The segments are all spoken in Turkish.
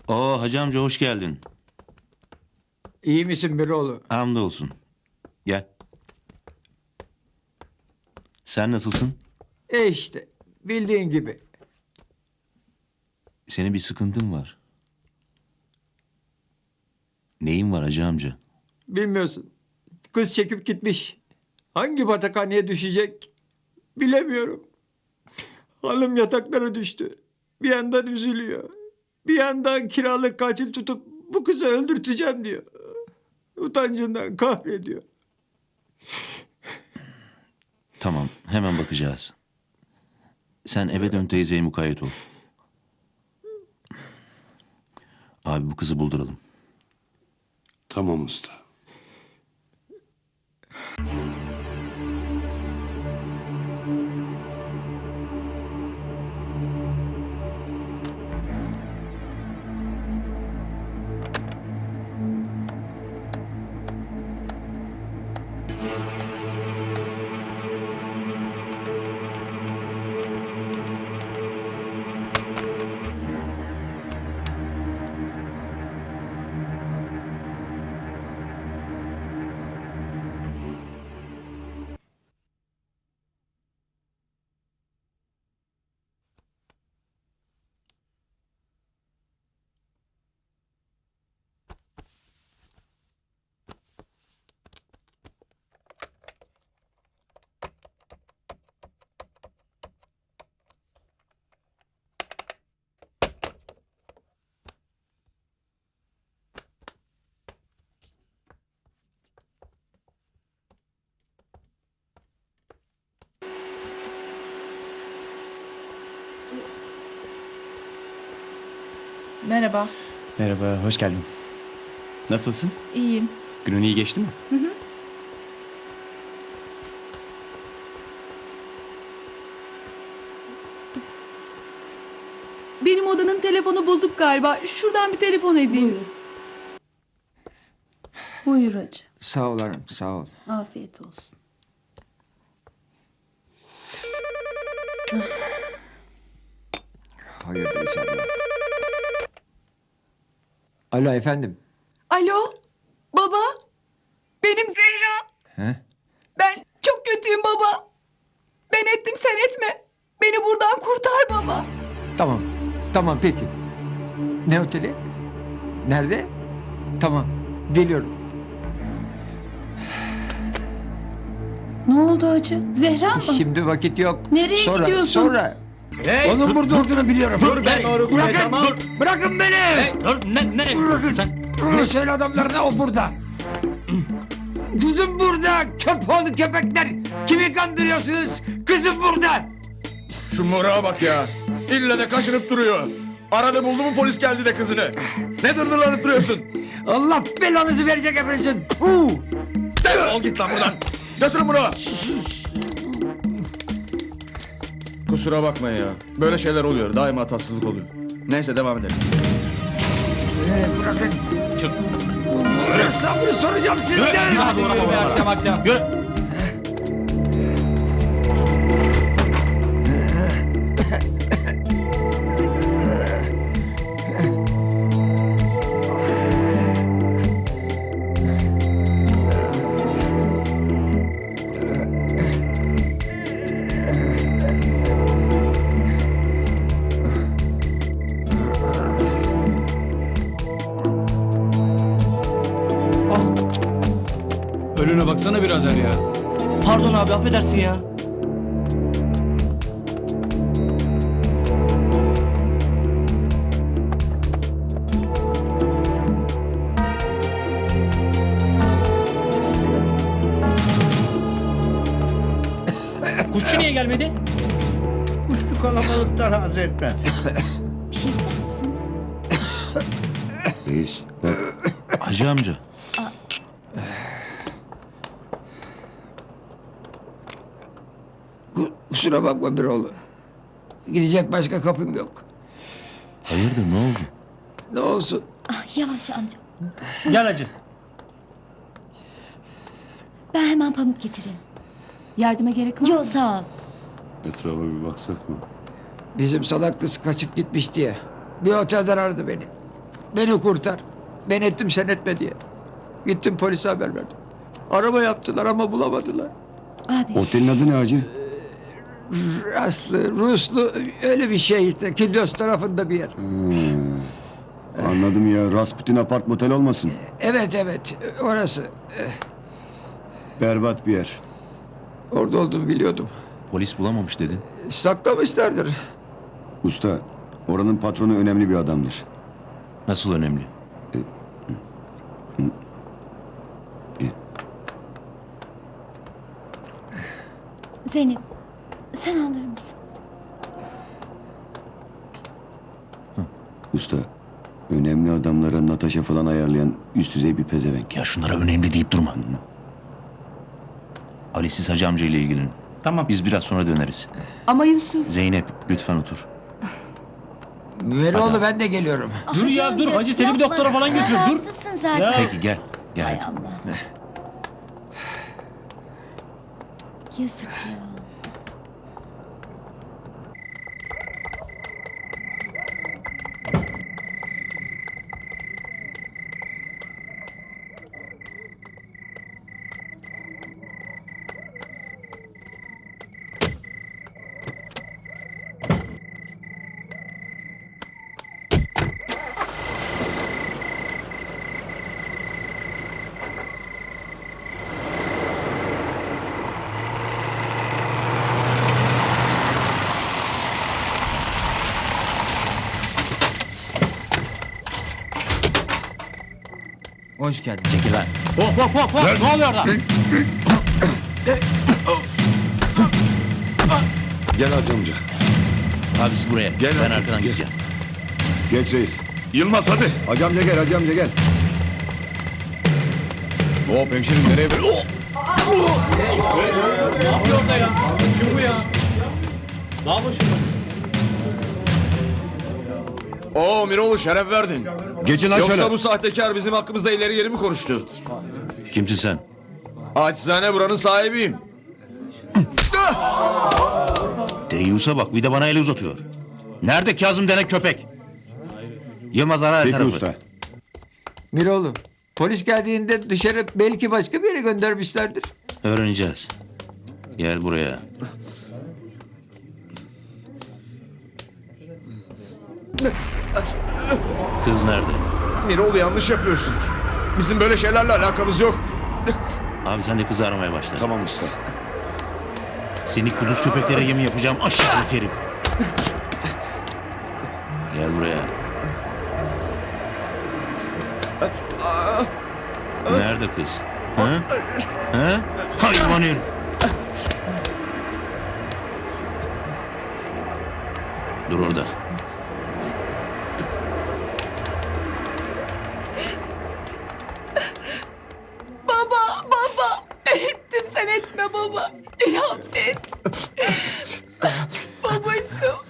Oo hacı amca hoş geldin. İyi misin Miroğlu? Hamdolsun. Gel. Sen nasılsın? İşte bildiğin gibi. Senin bir sıkıntın var. Neyin var hacı amca? Bilmiyorsun. Kız çekip gitmiş. Hangi batakhaneye düşecek bilemiyorum. Hanım yataklara düştü. Bir yandan üzülüyor. Bir yandan kiralık katil tutup bu kızı öldürteceğim diyor. Utancından kahrediyor. Tamam hemen bakacağız. Sen eve dön teyzeye mukayyet ol. Abi bu kızı bulduralım. Tamam usta. Merhaba, Merhaba, hoş geldin. Nasılsın? iyiyim. Günün iyi geçti mi? Benim odanın telefonu bozuk galiba. Şuradan bir telefon edeyim. Buyur hacı. Sağ ol hanım, sağ ol. Afiyet olsun. Hayırdır inşallah. Alo efendim. Alo, baba. Benim Zehra. He? Ben çok kötüyüm baba. Ben ettim sen etme. Beni buradan kurtar baba. Tamam, tamam peki. Ne oteli? Nerede? Tamam, geliyorum. Ne oldu hacı? Zehra mı? Şimdi vakit yok. Nereye sonra, gidiyorsun? Sonra. Onun burada olduğunu biliyorum. Dur ben doğru Bırakın, tamam. bırakın beni. Dur nereye? Bırakın. Sen Söyle adamlarına o burada. Kızım burada. Köpoğlu köpekler. Kimi kandırıyorsunuz? Kızım burada. Şu morağa bak ya. İlle de kaşınıp duruyor. Arada buldu mu polis geldi de kızını. Ne dırdırlanıp duruyorsun? Allah belanızı verecek hepinizin. Puh. Defol git lan buradan. Götürün bunu. Kusura bakmayın ya. Böyle şeyler oluyor. Daima tatsızlık oluyor. Neyse devam edelim. Bırakın. Çık. Hesabını soracağım sizden. hadi yürü be akşam. Yürü. Önüne baksana birader ya. Pardon abi affedersin ya. Kuşçu niye gelmedi? Kuşçu kalabalıkta razı etmez. Bir şey ister misiniz? Hacı amca. Kusura bakma Miroğlu. Gidecek başka kapım yok. Hayırdır ne oldu? Ne olsun. Ah, yavaş amca. Gel hacı. Ben hemen pamuk getireyim. Yardıma gerek var mı? Yok sağ ol. Etrafa bir baksak mı? Bizim salak kız kaçıp gitmiş diye. Bir otelden aradı beni. Beni kurtar. Ben ettim sen etme diye. Gittim polise haber verdim. Arama yaptılar ama bulamadılar. Abi Otelin adı ne hacı? Aslı, Ruslu öyle bir şey işte. Kilyos tarafında bir yer. Anladım ya. Rasputin apart motel olmasın. Evet orası. Berbat bir yer. Orada olduğunu biliyordum. Polis bulamamış dedin. Saklamışlardır. Usta, oranın patronu önemli bir adamdır. Nasıl önemli? Zeynep sen alır mısın? Usta, önemli adamlara Natasha falan ayarlayan üst düzey bir pezevenk. Ya şunlara önemli deyip durma. Ali siz hacı amca ile ilgilenin. Tamam. Biz biraz sonra döneriz. Ama Yusuf. Zeynep lütfen otur. Müveroğlu ben de geliyorum. Dur ya, dur. Hacı seni bir doktora falan götür, dur. Rahatsızsın zaten. Ya. Peki gel. Gel Hay hadi. Allah. Yazık ya. Hoş geldin. Çekil lan. Hop. Ne oluyor orada? Gel hacı amca. Abi siz buraya. Gel ben hacı, arkadan gel. gideceğim. Geç reis. Yılmaz hadi. Hacı amca gel, hacı amca gel. Hop hemşerim nereye böyle? Ne yapıyor orada ya? Kim bu ya? Ne yapıyorsun? Oo Miroğlu şeref verdin. Geçin lan Yoksa şöyle. bu sahtekar bizim hakkımızda ileri geri mi konuştu? Kimsin sen? Acizane buranın sahibiyim. Deyyus'a bak bir de bana el uzatıyor. Nerede Kazım denen köpek? Yılmaz ara her Peki tarafı. usta. Miroğlu polis geldiğinde dışarı belki başka bir yere göndermişlerdir. Öğreneceğiz. Gel buraya. Kız nerede? Miroğlu yanlış yapıyorsun. Bizim böyle şeylerle alakamız yok. Abi sen de kızı aramaya başla. Tamam usta. Seni kuduz köpeklere yemin yapacağım aşağılık herif. Gel buraya. Nerede kız? Ha? Ha? Hayvan herif. Dur orada. Baba. Ben ettim sen etme baba. Beni affet. Babacığım.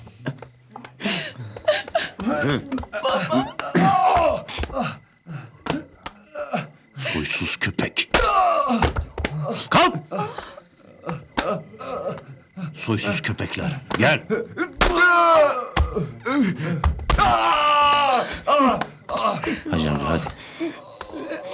Soysuz köpek. Kalk! Soysuz köpekler. Gel. Hacı amca hadi.